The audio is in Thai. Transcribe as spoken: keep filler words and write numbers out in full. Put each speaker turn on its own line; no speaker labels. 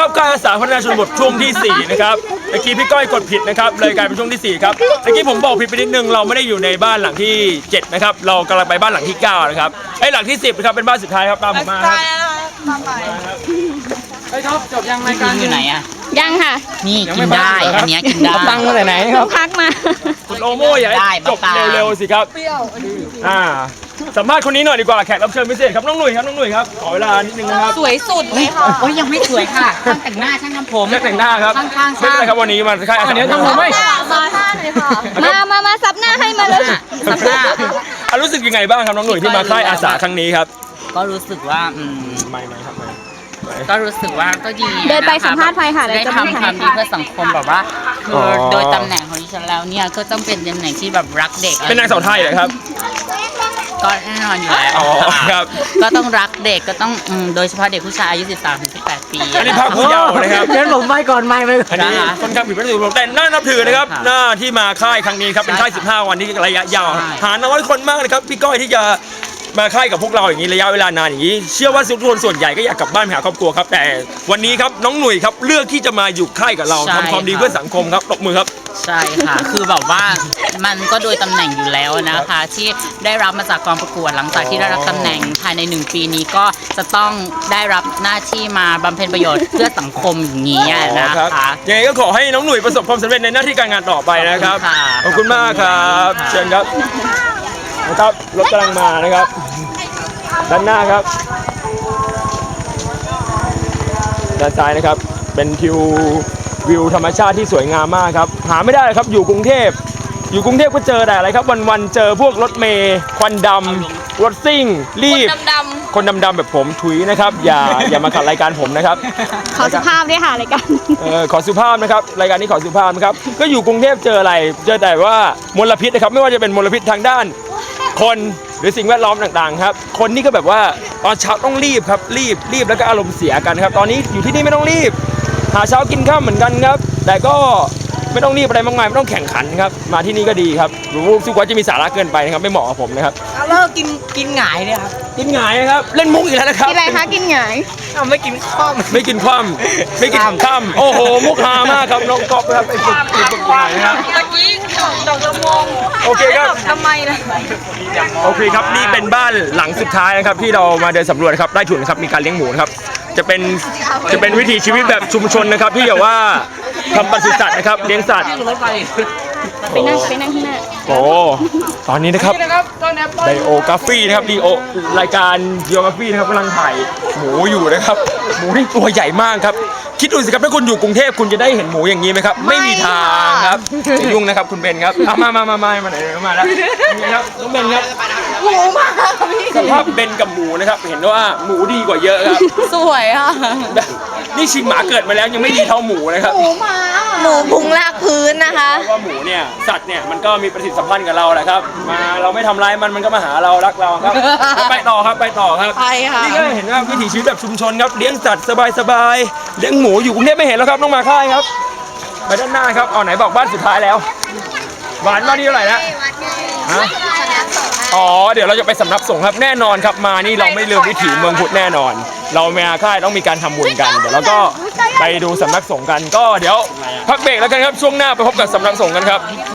ครับค่ายอาสาพัฒนาชนบทช่วงที่สี่นะครับเมื่อกี้พี่ก้อยกดผิดนะครับเลยกลายเป็นช่วงที่สี่ครับเมื่อกี้ผมบอกผิดไปนิดนึงเราไม่ได้อยู่ในบ้านหลังที่เจ็ดนะครับเรากำลังไปบ้านหลังที่เก้านะครับไอ้หลังที่สิบนะครับเป็นบ้านสุดท้ายครับตามผมมาครับ
ตามไป
ไอ้ท็อปจบยังรายการอยู่ไหนอ่ะ
ยังค่ะ
นี่กินได้อันนี้กินได้
ตังมาไหนครับ
พักมา
คุณโอโม่อยากให้จบเร็วๆสิครับอ่าสัมภาษณ์คนนี้หน่อยดีกว่าแขกรับเชิญพิเศษครับน้องหนุ่ยครับน้องหนุ่ยครับขอเวลานิดนึงนะครับ
สวยสุดเลยค่ะ
โอ้ยยังไม่สวยค่ะช่างแต่งหน้าช่างทำผม
ช่างแต่งหน้าครับ
ข้างๆ
ไม่เป็นไรครับวันนี้มาค่ายอาสา
เดี๋ยวทำผมไหม
มาท่าหน่อยค่ะ
มามามาซับหน้าให้มาเลย
สับหน้า
อ่ะรู้สึกยังไงบ้างครับน้องหนุ่ยที่มาค่ายอาสาครั้งนี้ครับ
ก็รู้สึกว่าอืม
ไม่ไม่ครับไม่
ก็รู้สึกว่าก็ดี
เดินไปสัมภาษณ์ไปค่ะ
ได้
เดี๋ยวจะไม่
ทำค
ถ่า
วาย มดีเพื่อสังคมแบบว่าคืออ
อ
โดยตำแหน่งของดิฉันแล้วเนี่ยก็ต้องเป็นตำแหน่งที่แบบรักเด็ก
เป็นนางสาวไทยเหรอครับ
ก็แน่นอนอยู่แล้ว
อ๋อครับ
ก็ต้องรักเด็กก็ต้องอืมโดยเฉพาะเด็กผู้ชายอายุ สิบสามถึงสิบแปด ปี
อันนี้ภาคผู้เยาว์นะครับ
เชิญผมไปก่อนไม่ไม่
อันนี้ค่อนข้างผิดวัตถุประสงค์แต่น่านับถือนะครับหน้าที่มาค่ายครั้งนี้ครับเป็นค่ายสิบห้าวันที่ระยะยาวหาน้อยคนมากเลยครับพี่ก้อยที่จะมาค่ายกับพวกเราอย่างนี้ระยะเวลานานอย่างนี้เชื่อว่าทุกคนส่วนใหญ่ก็อยากกลับบ้านไปหาครอบครัวครับแต่วันนี้ครับน้องหนุ่ยครับเลือกที่จะมาอยู่ค่ายกับเราทำความดีเพื่อสังคมครับตบมือครับ
ใช่ค่ะ คือแบบว่ามันก็โดยตำแหน่งอยู่แล้วนะคะ ที่ได้รับมาจากกองประกวดหลังจากที่ได้รับตำแหน่งภายในหนึ่งปีนี้ก็จะต้องได้รับหน้าที่มาบำเพ็ญประโยชน์เพื่อสังคมอย่างนี้นะคะ
ยังไงก็ขอให้น้องหนุ่ยประสบความสำเร็จในหน้าที่การงานต่อไปนะครับ
ขอบคุณค่ะ
ขอบคุณมากครับเชิญครับนะครับรถกำลังมานะครับด้านหน้าครับด้านซ้ายนะครับเป็นทิววิวธรรมชาติที่สวยงามมากครับหาไม่ได้เลยครับอยู่กรุงเทพอยู่กรุงเทพก็เจอแต่อะไรครับวันๆเจอพวกรถเมย์ควันดำรถซิ่งรีบ
ดำ
คนดำๆแบบผมถุยนะครับอย่าอย่ามาขัดรายการผมนะครับ
ขอสุภาพด้วยค่ะรายการ
เออขอสุภาพนะครับรายการนี้ขอสุภาพนะครับก็อยู่กรุงเทพเจออะไรเจอแต่ว่ามลพิษนะครับไม่ว่าจะเป็นมลพิษทางด้านคนหรือสิ่งแวดล้อมต่างๆครับคนนี่ก็แบบว่าตอนเช้าต้องรีบครับรีบรีบแล้วก็อารมณ์เสียกันครับตอนนี้อยู่ที่นี่ไม่ต้องรีบหาเช้ากินข้ามเหมือนกันครับแต่ก็ไม่ต้องรีบอะไรมากมายไม่ต้องแข่งขันครับมาที่นี่ก็ดีครับรู้สึกว่าจะมีสาระเกินไปนะครับไม่เหมาะกับผมนะครับ
เลิกกินกินหงายเนี่ยครับ
กินหงายนะครับเล่นมุกอีกแล้วนะครับ
กินอะไรคะกินหงาย
อ้าวไม่กินข้าว
ไม่กินคว่ำไม่กินข้ามโอ้โหมุกฮามากครับน้องก๊อฟครับไอ้ฝึกฝึกฝึกหงายนะครับ
ตะกี้ดอกละมง
โอเคครับ
ทำไมนะ
โอเคครับนี่เป็นบ้านหลังสุดท้ายนะครับที่เรามาเดินสำรวจนะครับได้ถุนนะครับมีการเลี้ยงหมูนะครับจะเป็นจะเป็นวิถีชีวิตแบบชุมชนนะครับที่แบบว่าทำปศุสัตว์นะครับเลี้ยงสัตว์
ไปนั่งไปนั่งที่หน้า
โอ้ตอนนี้นะครับไดโอกราฟีนะครับดีโอรายการดีโอกราฟีนะครับกำลังถ่ายหมูอยู่นะครับหมูที่ตัวใหญ่มากครับคิดดูสิครับถ้าคุณอยู่กรุงเทพคุณจะได้เห็นหมูอย่างนี้ไหมครับไม่มีทางครับจะยุ่งนะครับคุณเบนครับอ่ะมามามามามาไหนมาแล้วนี่ครับน้องเบนครับ
หมูมากพี่
สภาพเบนกับหมูนะครับเห็นว่าหมูดีกว่าเยอะครับ
สวยอ่ะ
นี่ชิงหมาเกิดมาแล้วยังไม่ดีเท่าหมูนะครับ
หมูมาหมูพุงลากพื้นนะคะ
เพราะว่าหมูเนี่ยสัตว์เนี่ยมันก็มีประสิทธิสัมพันธ์กับเราแหละครับมาเราไม่ทำร้ายมันมันก็มาหาเรารักเราครับไปต่อครับไปต่อครับ
ไปค่ะ
นี่ก็เห็นว่าวิถีชีวิตแบบชุมชนครับเลี้ยงสัตว์สบายๆเลี้ยงหมูอยู่กรุงเทพไม่เห็นแล้วครับต้องมาค่ายครับไปด้านหน้าครับเอาไหนบอกบ้านสุดท้ายแล้วหวานบ้านนี้เท่าไหร่แล้วฮะอ๋อเดี๋ยวเราจะไปสำนักสงฆ์ครับแน่นอนครับมานี่เราไม่ลืมวิถีเมืองพุทธแน่นอน เรามาค่ายต้องมีการทำบุญกันเดี๋ยวเราก็ไปดูสำนักสงฆ์กันก็เดี๋ยวพักเบรกแล้วกันครับช่วงหน้าไปพบกับสำนักสงฆ์กันครับ